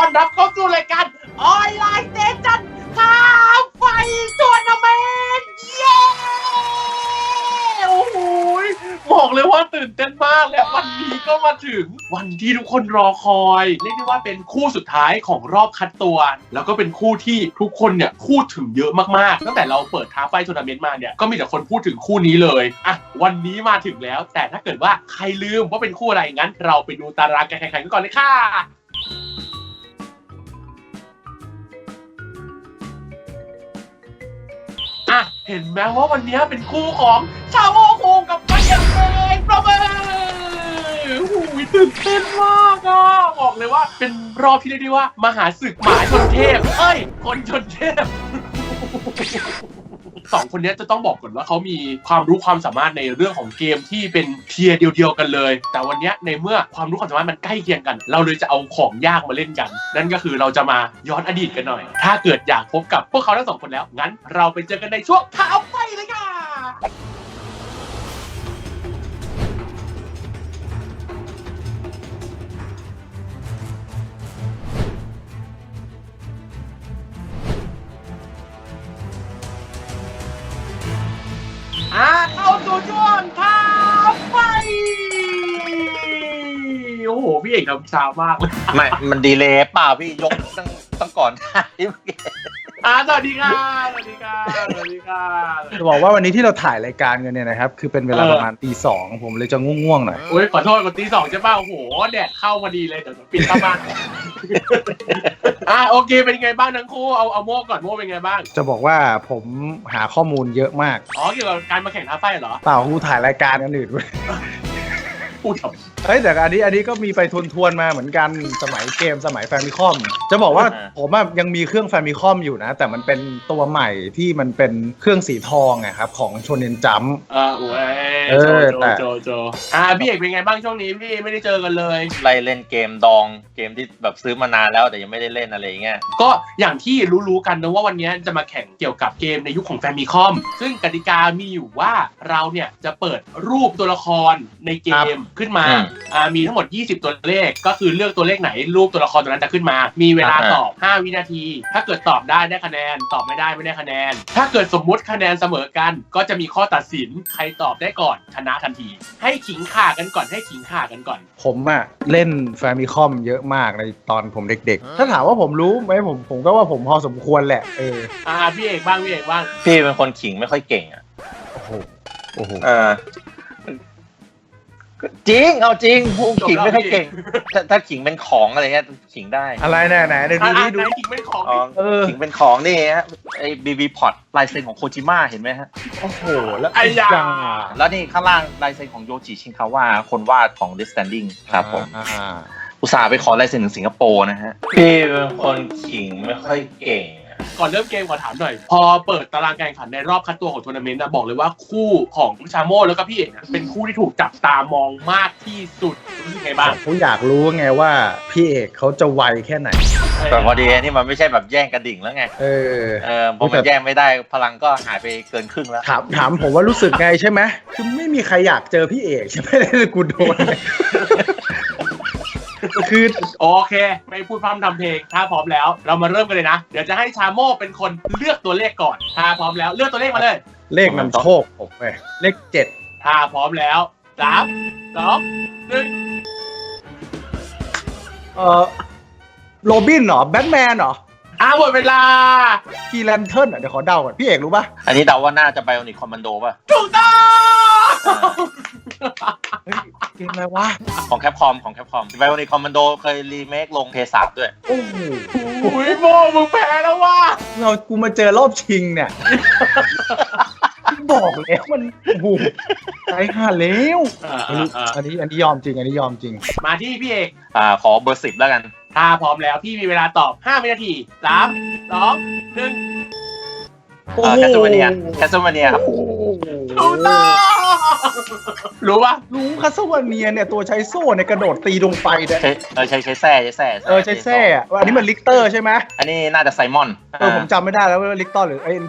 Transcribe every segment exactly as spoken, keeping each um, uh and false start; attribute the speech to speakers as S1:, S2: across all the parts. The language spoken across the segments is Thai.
S1: อนรับเข้าสู่รายการออนไลน์เซจันท้าไฟทัวร์นาเมนต์เย้โอ้โหบอกเลยว่าตื่นเต้นมากและวันนี้ก็มาถึงวันที่ทุกคนรอคอยเรียกได้ว่าเป็นคู่สุดท้ายของรอบคัดตัวแล้วก็เป็นคู่ที่ทุกคนเนี่ยพูดถึงเยอะมากๆตั้งแต่เราเปิดท้าไฟทัวร์นาเมนต์มาเนี่ยก็มีแต่คนพูดถึงคู่นี้เลยอ่ะวันนี้มาถึงแล้วแต่ถ้าเกิดว่าใครลืมว่าเป็นคู่อะไรงั้นเราไปดูตารางการแข่งขันกันก่อนเลยค่ะอ่ะเห็นไหมว่าวันนี้เป็นคู่ของชาโมคุงกับปัญญาเองประเมินหูยตื่นเต้นมากอ่ะบอกเลยว่าเป็นรอบที่เรียกได้ว่ามหาศึกหมาชนเทพเอ้ยคนชนเทพสองคนนี้จะต้องบอกก่อนว่าเขามีความรู้ความสามารถในเรื่องของเกมที่เป็นเทียร์เดียวๆกันเลยแต่วันนี้ในเมื่อความรู้ความสามารถมันใกล้เคียงกันเราเลยจะเอาของยากมาเล่นกันนั่นก็คือเราจะมาย้อนอดีตกันหน่อยถ้าเกิดอยากพบกับพวกเขาทั้งสองคนแล้วงั้นเราไปเจอกันในช่วงท้าไฟเลยค่ะอ่าเข้าสู่ช่วงท้าไฟโอ้โหพี่เอกทำช้ามากเลย
S2: ไม่มันดีเลยเปล่าพี่ยกตั้งตั้งก่อนได้
S1: อ่าสวัสดีค่ะสวัสดีค่ะสวัสดีค่ะ
S3: จะบอกว่าวันนี้ที่เราถ่ายรายการกันเนี่ยนะครับคือเป็นเวลาประมาณตีสองผมเลยจะง่วงๆหน่อย
S1: โอ้ยขอโทษกดตีสองใช่ป่ะโอ้โหแดดเข้ามาดีเลยเดี๋ยวปิดเข้าบ้านอ่าโอเคเป็นไงบ้างทั้งคู่เอาเอาโม่ก่อนโม่เป็นไงบ้าง
S3: จะบอกว่าผมหาข้อมูลเยอะมาก
S1: อ๋อเกี่ยวกับการมาแข่งท้าไฟเหรอ
S3: เปล่ากูถ่ายรายการกันอื่น
S1: พูดทำ
S3: เฮ้ยแต่อันนี้อันนี้ก็มีไปทวนๆมาเหมือนกันสมัยเกมสมัยแฟมิคอมจะบอกว่าผมยังมีเครื่องแฟมิคอมอยู่นะแต่มันเป็นตัวใหม่ที่มันเป็นเครื่องสีทองอะครับของโชเน็นจัมป์
S1: อ่าโอ้ยโจโจโจโจอ่าพี่เอกเป็นไงบ้างช่วงนี้พี่ไม่ได้เจอกันเลย
S2: ไล่เล่นเกมดองเกมที่แบบซื้อมานานแล้วแต่ยังไม่ได้เล่นอะไรเงี้ย
S1: ก็อย่างที่รู้ๆกันนะว่าวันนี้จะมาแข่งเกี่ยวกับเกมในยุคของแฟมิคอมซึ่งกติกามีอยู่ว่าเราเนี่ยจะเปิดรูปตัวละครในเกมขึ้นมาอ่ามีทั้งหมดยี่สิบตัวเลขก็คือเลือกตัวเลขไหนรูปตัวละครตัวนั้นจะขึ้นมามีเวลาตอบห้าวินาทีถ้าเกิดตอบได้ได้คะแนนตอบไม่ได้ไม่ได้คะแนนถ้าเกิดสมมุติคะแนนเสมอกันก็จะมีข้อตัดสินใครตอบได้ก่อนชนะทันทีให้ขิงข่ากันก่อนให้ขิงข่ากันก่อน
S3: ผมอะเล่นแฟมิคอมเยอะมากในตอนผมเด็กๆถ้าถามว่าผมรู้ไหมผมผมก็ว่าผมพอสมควรแหละเออ
S1: อ่าพี่เอกบ้างพี่เอกบ้าง
S2: พี่เป็นคนขิงไม่ค่อยเก่งอะ
S3: โอ้โหโอ้โห
S2: เออจริงเอาจริงพูดขิงไม่ค่อยเก่งถ้าถ้าขิงเป็นของอะไรเงี้ยขิงได้
S3: อะไรแน่ไหนเดี๋ยวดูนี่ดู
S1: ขิงเป็นของ
S2: เออขิงเป็นของนี่ฮะไอ้บีบีพอตลายเซ็นของโคจิมะเห็นไหมฮะ
S3: โอ้โหแล้ว
S1: ไอ้ยา
S2: แล้วนี่ข้างล่างลายเซ็นของโยจิชินคาวะคนวาดของ Death Stranding ครับผมอุตส่าห์ไปขอลายเซ็นถึงสิงคโปร์นะฮะพี่เป็นคนขิงไม่ค่อยเก่ง
S1: ก่อนเริ่มเกมขอถามหน่อยพอเปิดตารางการแข่งขันในรอบคัดตัวของทัวร์นาเมนต์นะบอกเลยว่าคู่ของชาโม่แล้วก็พี่เอกเป็นคู่ที่ถูกจับตามองมากที่สุดรู้สึกไงบ้าง
S3: ผมอยากรู้ไงว่าพี่เอกเขาจะไวแค่ไหน
S2: แต่พอดีนี่มันไม่ใช่แบบแย่งกระดิ่งแล้วไง
S3: เออ
S2: เออพอมันแย่งไม่ได้พลังก็หายไปเกินครึ่งแล้ว
S3: ถามถามผมว่ารู้สึกไงใช่ไหมคือไม่มีใครอยากเจอพี่เอกใช่ไหมเลยกูโดนคือ
S1: โอเคไม่พูดพร่ำทำเพลงถ้าพร้อมแล้วเรามาเริ่มกันเลยนะเดี๋ยวจะให้ชาโม่เป็นคนเลือกตัวเลขก่อนถ้าพร้อมแล้วเลือกตัวเลขมาเลย
S3: เลขนำโชคผมไปเลขเจ็ด
S1: ถ้าพร้อมแล้วสามสองหนึ่ง
S3: เอ่อโรบินเหรอแบทแมนเหรอ
S1: อ่าหมดเวลา
S3: กีแลนเทิร์นอ่ะเดี๋ยวขอเดาก่อนพี่เอกรู้ป่ะ
S2: อันนี้เดาว่าน่าจะไบโอนิคคอมมานโดป่ะ
S1: ถูกต้อง
S3: เกมอะไรวะ
S2: ของแคปคอมของแคปคอมไบโอนิคคอมมานโดเคยรีเมคลงเพย์สามด้วย
S3: โอ้โห
S1: อุ้ยโมมึงแพ้แล้วว่ะ
S3: เรากูมาเจอรอบชิงเนี่ยบอกแล้วมันโอ้โหใจห่าแล้วอันนี้อันนี้ยอมจริงอันนี้ยอมจริง
S1: มาที่พี่เอก
S2: อ่าขอเบอร์สิบแล้วกัน
S1: ถ้าพร้อมแล้วพี่มีเวลาตอบห้าวินาทีสาม สอง หนึ่ง
S2: แคสโซเนียแคสโซเนียครับ
S1: รู้ต้องรู้ป่ะ
S3: รู้แคสโซเนียเนี่ยตัวใช้โซ่ในกระโดดตีดวงไฟเนี่ย
S2: เออใช้ใช้แส้ใช้แส้
S3: เออใช้แส้อ่ะอันนี้มันลิกเตอร์ใช่ไหม
S2: อันนี้น่าจะไซมอน
S3: เออผมจำไม่ได้แล้วว่าลิกเตอร์หรือไอ้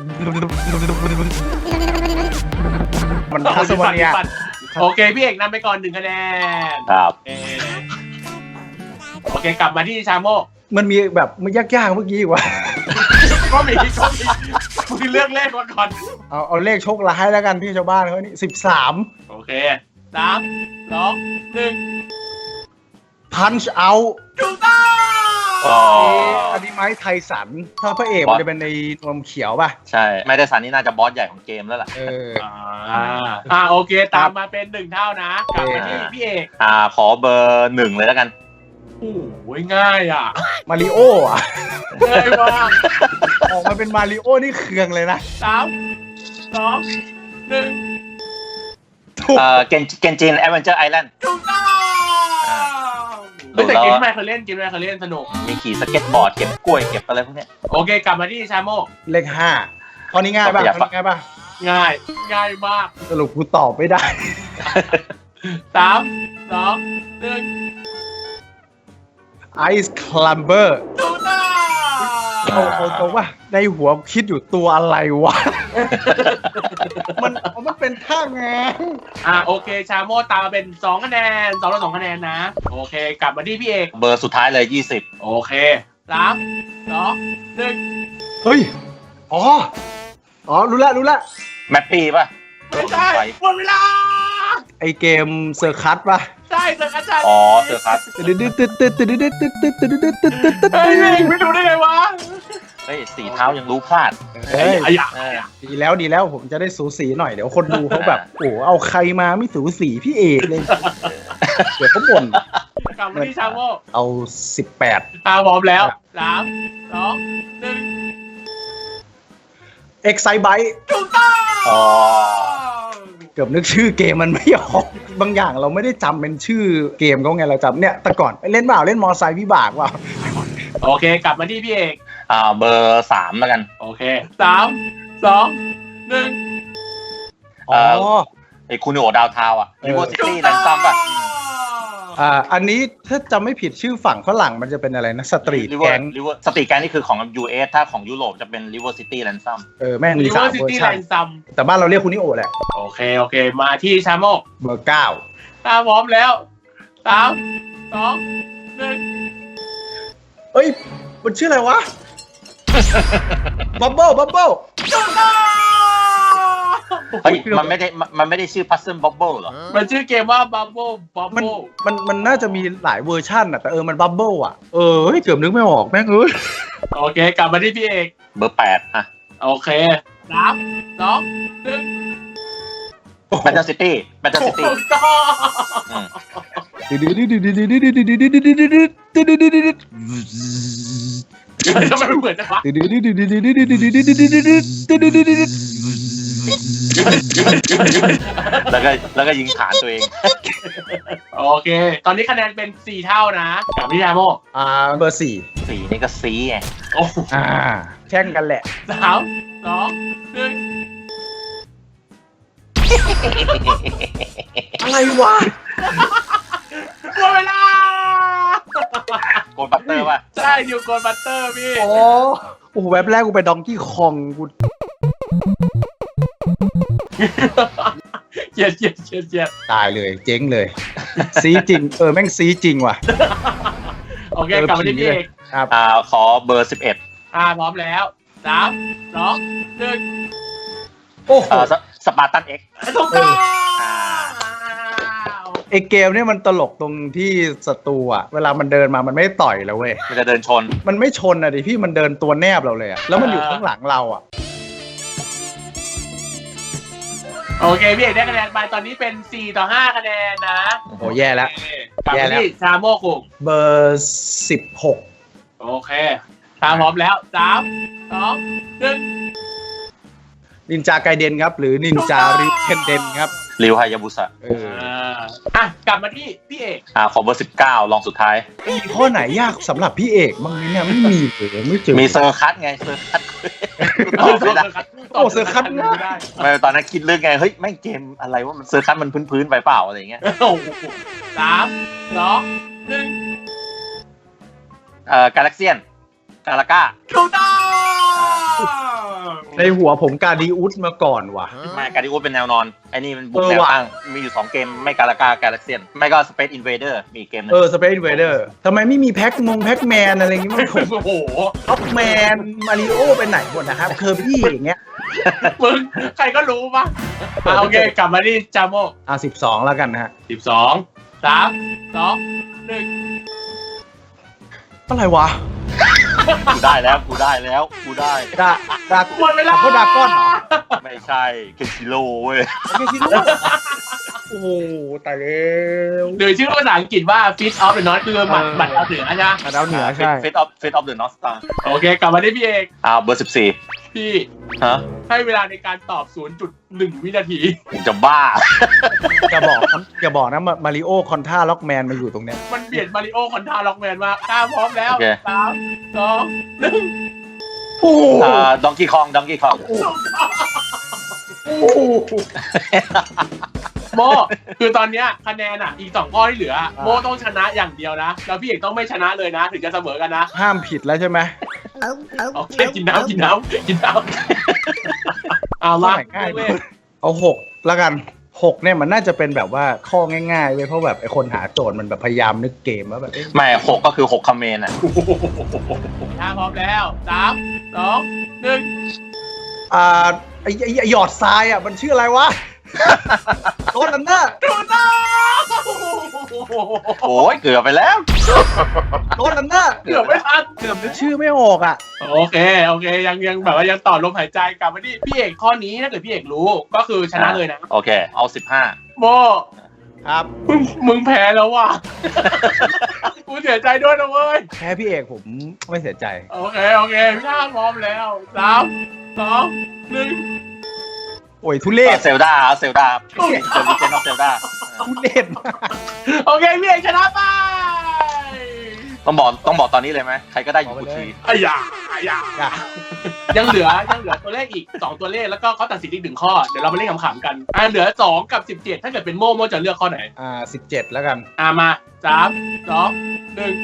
S3: มันแคสโซเนีย
S1: โอเคพี่เอกนำไปก่อนหนึ่งคะแนน
S2: ครับ
S1: โอเคกลับมาที่ชาโม่
S3: มันมีแบบมันยากๆเมื่อกี้อีกว่า
S1: ก็มีก็มีมึงเลือกเลขมาก่อน
S3: เอาเอาเลขโชคร้ายแล้วกันที่ชาวบ้านเขานี่สิบสาม
S1: โอเคสามสองหนึ่ง
S3: punch out
S1: ถูกต้อง
S2: อ๋อ
S3: อันนี้ไม้ไทสันถ้าพระเอกมันจะเป็นในนวมเขียวป่ะ
S2: ใช่ไม่ได้สันนี่น่าจะบอสใหญ่ของเกมแล้วล่ะ
S3: เออ
S1: อ่าอ่าโอเคตามมาเป็นหนึ่งเท่านะกลับมาที่พี่เอก
S2: อ่าขอเบอร์หนึ่งเลยแล้วกัน
S1: โอ้โหง่ายอ่ะ
S3: มาริโออ่ะ
S1: ง่ายมาก
S3: ออกมาเป็นมาริโอนี่เคืองเลยนะ
S1: สามสองหนึ่ง
S3: ถูก
S2: เอ่อเกนเกนจินแอดเวนเจอร์ไอแลนด์
S1: ถูกต้อง
S2: อ่า
S1: เฮ้ยแต่เกมแม่เคยเล่นเกมแม่เคยเล่นสนุก
S2: มีขี่สเก็ตบอร์ดเก็บกล้วยเก็บอะไรพวกเนี้ย
S1: โอเคกลับมาที่ชาโม
S3: เลขห้าข้อนี้ง่ายป่ะ
S2: อยาก
S3: ข้อ
S2: ฟัง
S3: นี้ง่ายป่ะ
S1: ง่ายง่ายมาก
S3: สรุปกูตอบไม่ได้
S1: สามสองหนึ่ง
S3: Ice Climber
S1: ถูกต้อง
S3: เอาเอาตรงว่าในหัวคิดอยู่ตัวอะไรวะ มันมันเป็นท่าแงง
S1: อ่าโอเคชาโมตามมาเป็นสองคะแนนสองต่อสองคะแนนนะโอเคกลับมาที่พี่เอก
S2: เบอร์สุดท้ายเลยยี่สิบ
S1: โอเคสามสองหนึ่ง
S3: เฮ้ย อ๋อ อ๋อ รู้ละรู้ละ
S2: แมปปี้ป่ะ
S1: ไม่ใช่หมดเวลา
S3: ไอเกมเซอร์คัสป่ะ
S1: ใช่เจออาจารย์
S2: อ๋อเซอร์คัส
S3: ตึ๊ดตึ๊ดตึ๊ดตึ๊ดตึ๊ดตึ๊ดตึ๊ดตึ๊ดตึ๊ดตึ๊ดตึ๊ดตึ๊ด
S1: เฮ้ยไม่รู้ได้ไงวะ
S2: เฮ้ยสีเท้ายังรู้พลาด
S3: เฮ้ย
S1: ไอ้ยะ
S2: เออ
S3: ดีแล้วดีแล้วผมจะได้สูสีหน่อยเดี๋ยวคนดูเขาแบบ โอ้เอาใครมาไม่สูสีพี่เอกเลย เดี๋ยวเขาบ่น
S1: กลับมาที่ชาโม
S3: เอาสิบแปด
S1: อ่าพร้อมแล้วสามสองหนึ่ง
S3: Excitebike
S1: ถูกต้อง
S2: อ๋อ
S3: เกือบนึกชื่อเกมมันไม่ออก บางอย่างเราไม่ได้จำเป็นชื่อเกมเขาไงเราจำเนี่ยแต่ก่อนเล่นเปล่าเล่นมอไซค์วิบากเปล่า
S1: โอเคกลับมาที่พี่เอก
S2: อ่าเบอร์สามแล้วกัน
S1: โอเคสามสองหนึ่ง
S2: เอ่
S3: อ๋
S2: อ
S3: อ
S2: ไอ้คูนิโอดาวทาวอ่ะ
S3: เออ
S2: ริเวอร์ซิตี้แลนซัมป่ะ
S3: อ่าอันนี้ถ้าจำไม่ผิดชื่อฝั่งฝรั่งมันจะเป็นอะไรนะสตรีท
S2: ริเวอ
S3: แก๊ง
S2: ร์ริเวอร์สตรีทแก๊งนี่คือของ ยู เอส ถ้าของยุโรปจะเป็นริเวอร์ซิตี้แลนซัม
S3: เออแม่งมี
S1: ริเว
S3: สา
S1: อ
S3: ม
S1: ร์ซิ
S3: เวอ
S1: ตี้
S3: ร์
S1: แล
S3: ชัน
S1: นซัม
S3: แต่บ้านเราเรียกคุณนิโอแหละ
S1: โอเคโอเคมาที่ชาโม
S3: เบอร์เก้า
S1: ถ้าพร้อมแล้วสามสองหนึ่ง
S3: เอ้ยมันชื่ออะไรวะ บับเบิ้ลบับเบิ้ล
S1: ถูกต้อง
S2: เฮ้ยมันไม่ได้มันมันไม่ได้ชื่อ Puzzle Bubble เหรอ
S1: มันชื่อเกมว่า Bubble
S3: มัน
S1: Bubble
S3: มันมันน่าจะมีหลายเวอร์ชันอะแต่เออมันบับเบิ้ลอะเออเฮ้ยเกือบนึกไม่ออกแม่งเอ้ย
S1: โอเคกลับมาที่พี่เอก
S2: เบอร์แปดอ่ะ
S1: โอเคสามสองหนึ่ง
S2: แบตเตอร์ซิตี้แบตเตอร์ซิตี้
S1: ถูกต้องทำไมมันเหมือนจังวะ
S2: แล้วก็แล้วก็ยิงฐานตัวเอง
S1: โอเค ตอนนี้คะแนนเป็นสี่เท่านะกลับมาที่ชาโม
S3: อ่าเบอร์สี่
S2: สีนี่ก็ซีไง
S1: โอ้โห
S3: อ่าแข่งกันแหละ
S1: สามสองหนึ่ง
S3: อะไรวะ
S1: หมดเวลา
S2: โกลบัตเตอร์ป่ะ
S1: ใช่นิวโกลบัตเตอร์พี่
S3: อ๋อโอ้โหแว็บแรกกูไปดองกี้คองกู
S1: เจียดเจียดเจียดเจียด
S3: ตายเลยเจ๊งเลย ซีจริง เออแม่งซีจริงว่ะ
S1: โอเคกลับมาที่พี่เอก
S3: ครับ
S2: อ่าขอเบอร์สิบเอ็ด
S1: อ่าพร้อมแล้วสามสองหนึ่ง
S3: โอ้โห
S2: อ่าสปาร์ตันเอ็ก
S1: ถูกต้อง
S2: อ่า
S3: ไอเกมเนี่ยมันตลกตรงที่ศัตรูอะเวลามันเดินมามันไม่ต่อยแล้วเว้ย
S2: มันจะเดินชน
S3: มันไม่ชนอะดิพี่มันเดินตัวแนบเราเลยอะแล้วมันอยู่ข้างหลังเราอะ
S1: โอเคพี่เอกได้คะแนนไปตอนนี้เป็นสี่ต่อห้าคะแนนนะ
S3: โอ้โหแย่แล้ว
S1: โอเคกลับมาที่ชาโมกุง
S3: เบอร์สิบหก
S1: โอเคถ้าพร้อมแล้วสามสองหนึ่ง
S3: นินจาไกเดนครับ หรือนินจาริเคนเดนครับ
S2: ริวฮายาบุสะ
S3: เออ
S1: อ่าอ่ะกลับมาที่พี่เอก
S2: อ่าขอเบอร์สิบเก้าลองสุดท้าย
S3: มีข้อไหนยากสำหรับพี่เอกบ้างไหมเนี่ยไม่มีเลยไม่เจอ
S2: มีเซอร์คัตไงเซอร์คัต
S1: โอ้เซอร์คัต
S3: โอ้เซอร์คัต
S1: ไม่ได้
S2: ไม่ตอนนั้นคิดเรื่องไงเฮ้ยแม่งเกมอะไรว่ามันเซอร์คัตมันพื้นๆไปเปล่าอะไรอย่างเงี้ย
S1: โอ้โหสามสองหนึ่ง
S2: เอ่อกาแล็กเซียนกาลาก้า
S1: ถูกต้อง
S3: โอเคในหัวผมกาดิอุสมาก่อนว่ะ
S2: ไม่การดิโอเป็นแนวนอนไอ้นี่มันบุก
S3: เออ
S2: แนว
S3: ว่ะ
S2: ตั้งมีอยู่สองเกมไม่กาลากากาแล็กเซียนไม่ก็สเปซอินเวเดอร์มีเกมนึง
S3: เออสเปซเวเดอร์ทำไมไม่มีแพ็กมงแพ็กแมนอะไรอย่างงี้มันผม
S1: โอ้โห
S3: ท็อปแมนมาริโอไปไหนหมดนะครับเคอร์บี้อย่างเงี้ย
S1: มึงใครก็รู้ปะอ่ะโอเคกลับมาที่จาโม
S3: อ่ะสิบสองแล้วกันนะฮะ
S1: สิบสองสามสองหนึ่ง
S3: อะไรวะ
S2: กูได้แล้วกูได้แล้วกูได้
S3: ดาดา
S1: หมดเวลา
S3: พวกดาก้อนเหรอ
S2: ไม่ใช่เคนชิโร่เว้ย
S3: ไม่ใช่ลูกโอ้โหตายแล้ว
S1: หรือชื่อภาษาอังกฤษว่า Fit of the North คือหมัดหมัดดาวเหนือใช่ไหม
S3: ดาวเหนือใช่
S2: เฟสออฟเฟสออฟเดอะนอสตาร์
S1: โอเค กลับมาที่พี่เอก
S2: อ่าเบอร์สิบสี่
S1: พี่
S2: ฮะ
S1: ให้เวลาในการตอบ ศูนย์จุดหนึ่ง วินาที
S2: ผมจะบ้า
S3: จะบอกนะจะบอกนะมาริโอคอนท่าล็อกแมนมาอยู่ตรงเนี้ย
S1: มันเปลี่ยนมาริโอคอนทาล็อกแมนมากถ้าพร้อมแล้ว
S2: โอเค
S1: สามสองหนึ่ง
S3: โอ้โห
S2: อ่าดองกี้คองดองกี้คอง
S1: โมคือตอนเนี้ยคะแนนอ่ะอีกสองข้อที่เหลือ โมต้องชนะอย่างเดียวนะ แล้วพี่เอกต้องไม่ชนะเลยนะ ถึงจะเสมอกันนะ
S3: ห้ามผิดแล้วใช่ไหม
S1: โอเคกินน้ำกินน้ำกินน้ำเอาละ
S3: ง่ายเอาหกแล้วกันหกเนี่ยมันน่าจะเป็นแบบว่าข้อง่ายๆเว้ยเพราะแบบไอ้คนหาโจทย์มันแบบพยายามนึกเกมว่าแบบเอ๊ะ
S2: ไม่หกก็คือหกคอมเมนต์อ่ะ
S1: ถ้าพร้อมแล้วสามสองหนึ่ง
S3: อ่าไอ้ไอ้ไอ้หยอดทรายอ่ะมันชื่ออะไรวะ โดนอันน่ะ
S1: ถูกต้อง
S2: โอ้ยเกือบไปแล้ว
S3: โดนอันน่ะ
S1: เกือบไม่ทัน
S3: เกือบนึกชื่อไม่ออกอ่ะ
S1: โอเคโอเคยังยังแบบว่ายังต่อลมหายใจกลับมาที่พี่เอกข้อนี้ถ้าเกิดพี่เอกรู้ก็คือชนะเลยนะ
S2: โอเค เอาสิบห้า
S1: โม
S3: ครับ
S1: มึงมึงแพ้แล้วว่ะ กูเสียใจด้วยนะเว้ย
S3: แพ้พี่เอกผมไม่เสียใจ
S1: โอเคโอเคพี่ชาติพร้อมแล้วสามสองหนึ่ง
S3: โอ้ยทุเรศ
S2: เซลดาเซลดาเซลดิเจนออฟเซลดา
S3: ทุเรศมาก
S1: โอเคพี่เอกชนะไป
S2: ต้องบอกต้องบอกตอนนี้เลยไหมใครก็ได้อยู่กูที
S1: อ้ยาอ้ยา
S3: อ่ะ
S1: ยังเหลือยังเหลือตัวเลขอีกสองตัวเลขแล้วก็เขาตัดสินอีกหนึ่งข้อเดี๋ยวเรามาเล่นขำๆกันอ่าเหลือสองกับสิบเจ็ดถ้าเกิดเป็นโม่โม่จะเลือกข้อไหน
S3: อ่าสิบเจ็ดแล้วกัน
S1: อ่ามาสามสองหนึ่ง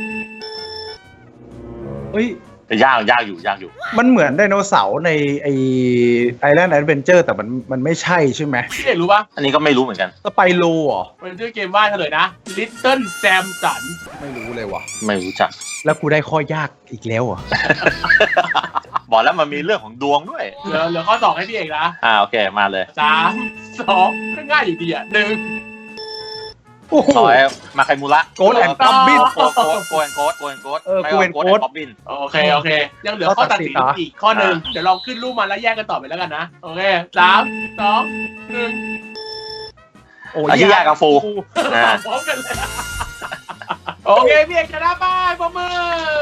S3: เฮ้ย
S2: แต่ยากยากอยู่ยากอยู่
S3: มันเหมือนไดโนเสาร์ในไอไอแลนด์แอดเวนเจอร์แต่มันมันไม่ใช่ใช่ไหม
S1: พี่เอกรู้ปะ
S2: อันนี้ก็ไม่รู้เหมือนกัน
S3: สไปโลเหรอ
S1: มันชื่อเกมว่าเฉลยนะ Little Samson
S3: ไม่รู้เลยว่ะ
S2: ไม่รู้จัก
S3: แล้วกูได้ข้อยากอีกแล้วเหรอ่ะ
S2: บอกแล้วมันมีเรื่องของดวงด้วย
S1: เหลือเหลือข้อสองให้พี่เอกนะ
S2: อ่าโอเคมาเลย
S1: สามสองก็ง่ายอยู่ดีอ่ะหนึ่ง
S3: โอ้โห
S2: ซอยมาไคมูระ
S3: โกลแอนด์กัมบิน
S2: โกโกโกแอนโกโกแอนโก
S3: เออ
S2: ไม่
S3: Go
S2: ว่า
S3: and
S2: โกแอน
S3: Ghost
S2: บ๊อบบิน
S1: โอเคโอเค ยังเหลือข้อตัดสินอีกข้อหนึ่งเดี๋ยวลองขึ้นรูปมาแล้วแยกกันต่อไปแล้วกันนะ โอเคสามสองหนึ่ง
S3: โอ้
S2: อาชิยากาฟูอ่า
S1: พร้อมกันเลยโอเคพี่เอกชนะไปปรบมือ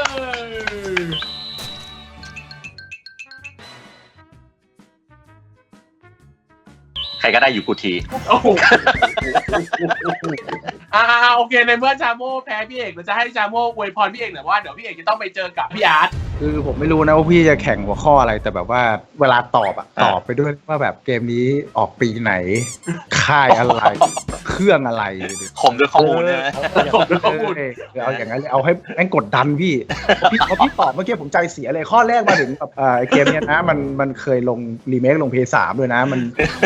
S2: ใครก็ได้อยู่กูที
S1: โอ้โหอ่าโอเคในเมื่อจาโม่แพ้พี่เอกเราจะให้จาโม่อวยพรพี่เอกหน่อยว่าเดี๋ยวพี่เอกจะต้องไปเจอกับพี่อาร์ต
S3: คือผมไม่รู้นะว่าพี่จะแข่งหัวข้ออะไรแต่แบบว่าเวลาตอบอะ
S2: อ่า
S3: ตอบไปด้วยว่าแบบเกมนี้ออกปีไหน ค่ายอะไร เครื่องอะไร
S2: คมด้วยข้อมูลเนี่ยนะ
S1: ผมด้วยข้อมูล
S3: เออเอาอย่างนั้นเลยเอาให้แม่งกดดันพี่พี่พอพี่ตอบเมื่อกี้ผมใจเสียเลยข้อแรกมาถึงแบบอ่าไอ้เกมเนี้ยนะมันมันเคยลงรีเมคลงเพย์สามด้วยนะมัน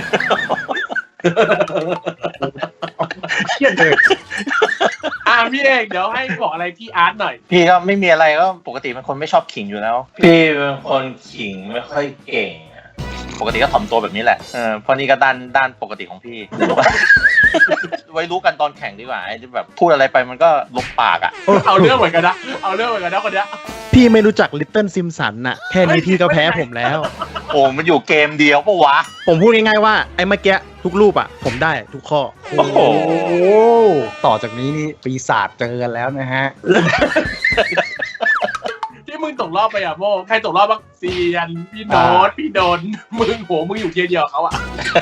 S3: เครียดเลย
S1: อ่าพี่เอกเดี๋ยวให้บอกอะไรพี่อาร์ตหน่อย
S2: พี่ก็ไม่มีอะไรก็ปกติเป็นคนไม่ชอบขิงอยู่แล้ว พี่เป็นคนขิงไม่ค่อยเก่งอะปกติก็ถ่อมตัวแบบนี้แหละเออเพราะนี่ก็ด้านด้านปกติของพี่ ไว้รู้กันตอนแข่งดีกว่าไอ้ที่แบบพูดอะไรไปมันก็ลบปากอ่ะ
S1: เอาเรื่องเหมือนกันนะเอาเรื่องเหมือนกันนะคนเนี้ย
S4: พี่ไม่รู้จักลิตเติ้ลซิมสันน่ะ แค่นี้พี่ก็แพ้ผมแล้ว
S2: โอ้มันอยู่เกมเดียวปะวะ
S4: ผมพูดง่ายๆว่าไอ้เมื่อกี้ทุกรูปอ่ะ ผมได้ทุกข้อ
S2: โอ้โห
S3: โอ้ต่อจากนี้นี่ปีศาจเจอกันแล้วนะฮะ
S1: ที่มึงตกรอบไปอ่ะโมใครตกรอบบ้างเซียนพี่โน้ตพี่โดนมึงโหมึงอยู่เทียร์เดียวกับเขาอ่ะ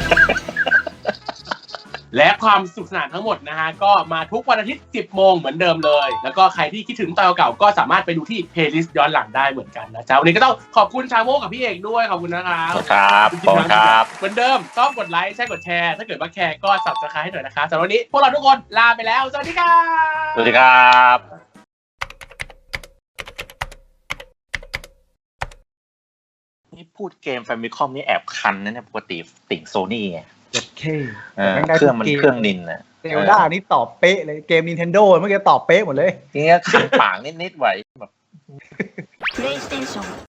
S1: และความสนุกสนานทั้งหมดนะฮะก็มาทุกวันอาทิตย์ สิบโมงเหมือนเดิมเลย แล้วก็ใครที่คิดถึงตอนเก่าๆก็สามารถไปดูที่เพลย์ลิสต์ย้อนหลังได้เหมือนกันนะจ๊ะวันนี้ก็ต้องขอบคุณชาโมกับพี่เอกด้วยขอบคุณนะครับ
S2: ครับขอบคุณครับ
S1: เหมือนเดิมต้องกดไลค์ใช่กดแชร์ถ้าเกิดว่าแคร์ก็ ซับสไครบ์ ให้หน่อยนะคะสำหรับวันนี้พวกเราทุกคนลาไปแล้วสวัสดีครับ
S2: สวัสดีครับนี่พูดเกมแฟมิคอมนี่แอบคันนะเนี่ยปกติติ่งโซนี่ไง
S3: เจ็ดเค
S2: เออเครื่องมันเครื่องนินนะ
S3: เซลดานี่ตอบเป๊ะเลยเกม Nintendo เมื่อกี้ตอบเป๊ะหมดเลย
S2: ทีเนี้ยขันปากนิดๆไหวแบบ
S5: プレイステーション